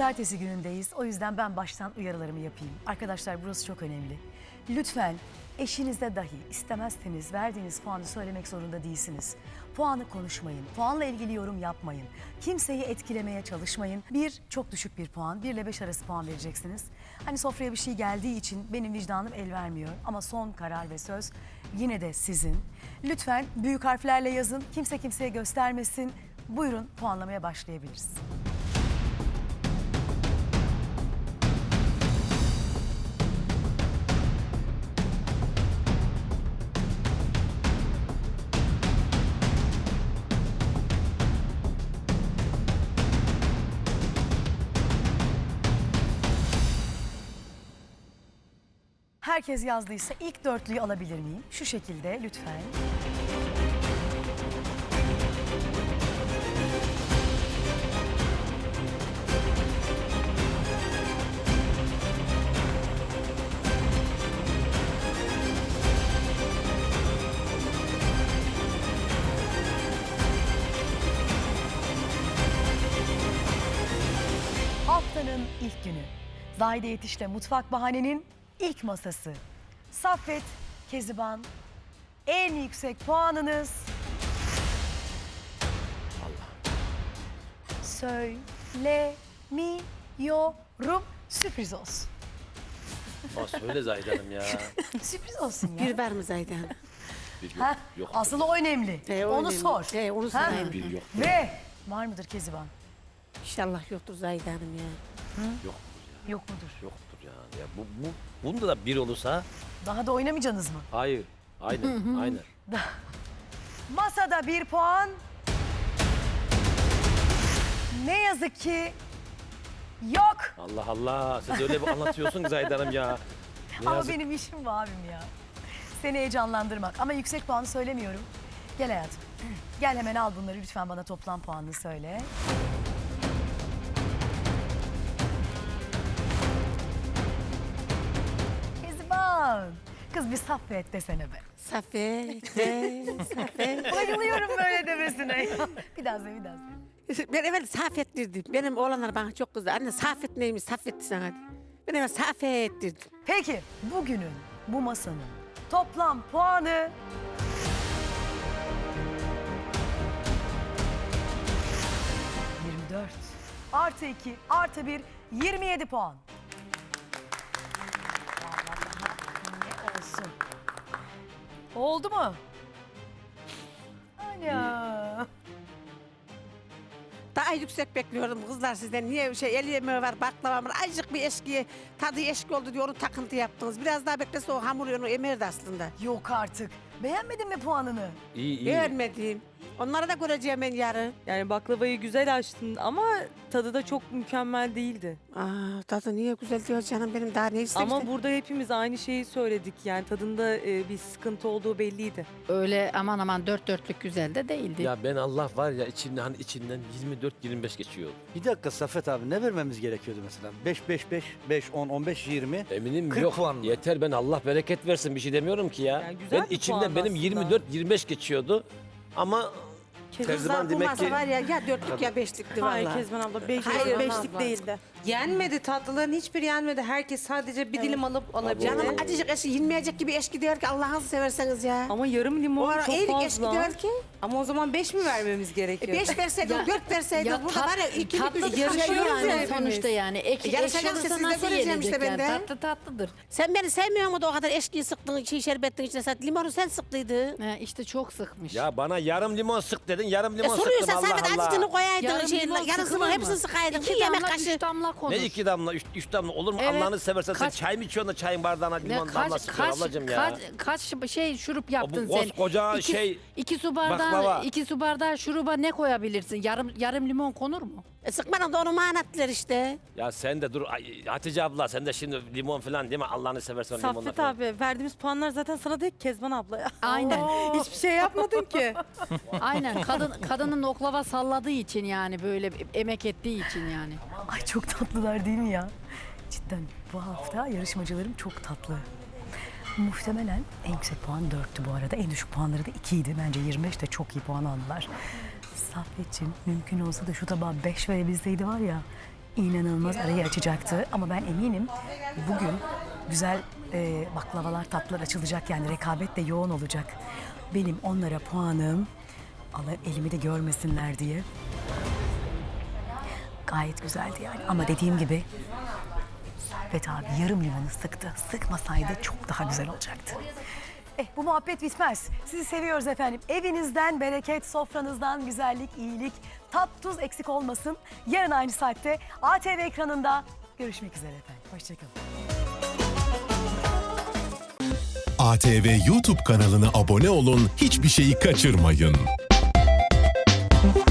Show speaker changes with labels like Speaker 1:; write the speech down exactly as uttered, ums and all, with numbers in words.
Speaker 1: Pazartesi günündeyiz. O yüzden ben baştan uyarılarımı yapayım. Arkadaşlar burası çok önemli. Lütfen eşinize dahi istemezseniz verdiğiniz puanı söylemek zorunda değilsiniz. Puanı konuşmayın. Puanla ilgili yorum yapmayın. Kimseyi etkilemeye çalışmayın. Bir, çok düşük bir puan. Bir ile beş arası puan vereceksiniz. Hani sofraya bir şey geldiği için benim vicdanım el vermiyor. Ama son karar ve söz yine de sizin. Lütfen büyük harflerle yazın. Kimse kimseye göstermesin. Buyurun puanlamaya başlayabiliriz. Herkes yazdıysa ilk dörtlüyü alabilir miyim? Şu şekilde lütfen. Haftanın ilk günü. Zahide Yetiş'le Mutfak Bahane'nin İlk masası. Saffet, Keziban, en yüksek puanınız...
Speaker 2: Allah.
Speaker 1: Söylemiyorum. Sürpriz olsun.
Speaker 2: Aa, söyle Zahide Hanım ya.
Speaker 1: Sürpriz olsun ya.
Speaker 3: Bir var mı Zahide Hanım?
Speaker 2: Bir yok.
Speaker 1: Heh,
Speaker 2: yok.
Speaker 1: asıl o önemli.
Speaker 3: He, o
Speaker 1: onu
Speaker 3: önemli.
Speaker 1: sor.
Speaker 3: He, onu
Speaker 1: Ha?
Speaker 3: sorayım.
Speaker 2: Bir yok.
Speaker 1: Ve var mıdır Keziban?
Speaker 3: İnşallah yoktur Zahide Hanım ya.
Speaker 2: Yoktur ya.
Speaker 1: Yok mudur?
Speaker 2: Yoktur yani. Ya bu, bu, bunda da bir olursa
Speaker 1: Daha da oynamayacaksınız mı?
Speaker 2: hayır. Aynen. aynen.
Speaker 1: Masada bir puan. Ne yazık ki yok.
Speaker 2: Allah Allah. Siz öyle bir anlatıyorsun ki Zahide Hanım ya. Ne
Speaker 1: Ama
Speaker 2: yazık.
Speaker 1: benim işim bu abim ya. Seni heyecanlandırmak. Ama yüksek puanı söylemiyorum. Gel hayatım. Gel hemen al bunları. Lütfen bana toplam puanını söyle. Keziban. Kız bir Saffet desene be.
Speaker 3: Saffet, de, Saffet.
Speaker 1: Bayılıyorum böyle demesine. Bir daha söyle, bir daha söyle.
Speaker 3: Ben evvel Saffet dedim. Benim oğlanlar bana çok kızdı. Anne Saffet neymiş, Saffet sana. Ben evvel Saffet dedim.
Speaker 1: Peki bugünün, bu masanın toplam puanı... yirmi dört. Artı iki, artı bir, yirmi yedi puan. Vallahi ne olsun. Oldu mu? Ana.
Speaker 3: Daha yüksek bekliyordum kızlar sizden. Niye şey el yemeği var, baklava var. Azıcık bir eşki, tadı eşki oldu diye onu takıntı yaptınız. Biraz daha beklese o hamur onu emerdi aslında.
Speaker 1: Yok artık. Beğenmedin mi puanını?
Speaker 2: İyi iyi.
Speaker 3: Beğenmedim. Onları da göreceğim ben yarın.
Speaker 4: Yani baklavayı güzel açtın ama tadı da çok mükemmel değildi.
Speaker 3: Aa, tadı niye güzel diyor canım benim daha ne istemiştim.
Speaker 4: Ama burada hepimiz aynı şeyi söyledik. Yani tadında e, bir sıkıntı olduğu belliydi.
Speaker 5: Öyle aman aman dört dörtlük güzel de değildi.
Speaker 2: Ya ben Allah var ya içinden hani içinden yirmi dört yirmi beş geçiyor.
Speaker 6: Bir dakika Saffet abi ne vermemiz gerekiyordu mesela? beş, beş, beş, beş, on, on beş, yirmi.
Speaker 2: Eminim
Speaker 6: kırk
Speaker 2: yok.
Speaker 6: puan mı?
Speaker 2: Yeter ben Allah bereket versin bir şey demiyorum ki ya.
Speaker 4: Yani güzel
Speaker 2: ben
Speaker 4: bir
Speaker 2: içimden
Speaker 4: puan
Speaker 2: benim
Speaker 4: aslında.
Speaker 2: yirmi dört yirmi beş geçiyordu. Ama
Speaker 3: Kızlar
Speaker 2: Terziban
Speaker 3: bu
Speaker 2: demek
Speaker 3: masa
Speaker 2: ki
Speaker 3: var ya ya dörtlük ya beşlikti
Speaker 4: Hayır
Speaker 3: vallahi.
Speaker 4: Kezban abla beş,
Speaker 3: Hayır,
Speaker 4: beşlik
Speaker 3: abla.
Speaker 4: değildi.
Speaker 7: Yenmedi, tatlıların hiçbiri yenmedi. Herkes sadece bir dilim alıp alabildi.
Speaker 3: Canım acıcık eşki yenmeyecek gibi eşki diyor ki Allah'ınızı severseniz ya.
Speaker 4: Ama yarım
Speaker 3: O
Speaker 4: limon
Speaker 3: ara
Speaker 4: çok
Speaker 3: eğrik eşki
Speaker 4: fazla.
Speaker 3: diyor ki.
Speaker 7: Ama o zaman beş mi vermemiz
Speaker 3: E,
Speaker 7: gerekiyor?
Speaker 3: beş verseydiniz, dört verseydiniz. Burada var ya ikilik
Speaker 5: tatlı
Speaker 3: üçlük
Speaker 5: yarışıyor
Speaker 3: yarışıyoruz
Speaker 5: yani
Speaker 3: hepimiz.
Speaker 5: sonuçta yani. Ek,
Speaker 3: E, yarışacağız
Speaker 5: ekşi
Speaker 3: işte,
Speaker 5: olursa
Speaker 3: siz de
Speaker 5: nasıl
Speaker 3: göreceğim işte
Speaker 5: yenecek yani?
Speaker 3: ben de.
Speaker 5: Tatlı tatlıdır.
Speaker 3: Sen beni sevmiyor muydun o kadar eşkiyi sıktın, şey, şerbetin içine sen. Limonu sen sıktıydın.
Speaker 5: He, işte çok sıkmış.
Speaker 2: ya bana yarım limon sık dedin yarım
Speaker 3: E
Speaker 2: limon sıktım
Speaker 3: soruyorsan
Speaker 2: Allah
Speaker 3: sen
Speaker 2: Allah.
Speaker 3: acıcını koyaydın,
Speaker 5: Yarım
Speaker 3: şey,
Speaker 5: limon
Speaker 3: yarısını
Speaker 5: sıkılır mı?
Speaker 3: hepsini sıkaydın.
Speaker 5: İki
Speaker 3: Bir yemek
Speaker 5: damla,
Speaker 3: kaşığı.
Speaker 5: üç damla konur.
Speaker 2: Ne iki damla, üç, üç damla olur mu?
Speaker 5: Evet.
Speaker 2: Allah'ını seversen
Speaker 5: Kaç-
Speaker 2: sen çay mı içiyorsun da çayın bardağına
Speaker 5: Ne,
Speaker 2: limon damla
Speaker 5: kaç,
Speaker 2: sıkıyorsun
Speaker 5: kaç,
Speaker 2: ablacığım ya.
Speaker 5: kaç, kaç şey şurup yaptın
Speaker 2: bu
Speaker 5: sen?
Speaker 2: koskoca
Speaker 5: İki-
Speaker 2: şey,
Speaker 5: iki su bardağı,
Speaker 2: baklava.
Speaker 5: iki su bardağı şuruba ne koyabilirsin? Yarım yarım limon konur mu?
Speaker 3: E sıkmadın da onu manattılar işte.
Speaker 2: Ya sen de dur Ay, Hatice abla sen de şimdi limon falan değil mi? Allah'ını seversen limonla
Speaker 4: Saffet
Speaker 2: falan.
Speaker 4: abi verdiğimiz puanlar zaten sana değil Kezban abla ya.
Speaker 5: Aynen.
Speaker 4: Hiçbir şey yapmadın ki.
Speaker 5: Aynen. Kadın kadının oklava salladığı için yani böyle emek ettiği için yani.
Speaker 1: Ay çok tatlılar değil mi ya? Cidden bu hafta yarışmacılarım çok tatlı. Muhtemelen en yüksek puan dörttü bu arada. En düşük puanları da ikiydi. Bence yirmi beş de çok iyi puan aldılar. Saffetciğim mümkün olsa da şu tabağa beş verebilseydi var ya inanılmaz arayı açacaktı. Ama ben eminim bugün güzel e, baklavalar, tatlılar açılacak. Yani rekabet de yoğun olacak. Benim onlara puanım, Allah elimi de görmesinler diye. Gayet güzeldi yani. Ama dediğim gibi Saffet abi yarım limonu sıktı. Sıkmasaydı çok daha güzel olacaktı. Eh, bu muhabbet bitmez. Sizi seviyoruz efendim. Evinizden bereket, sofranızdan güzellik, iyilik, tat tuz eksik olmasın. Yarın aynı saatte A T V ekranında görüşmek üzere efendim. Hoşçakalın.
Speaker 8: A T V YouTube kanalına abone olun, hiçbir şeyi kaçırmayın.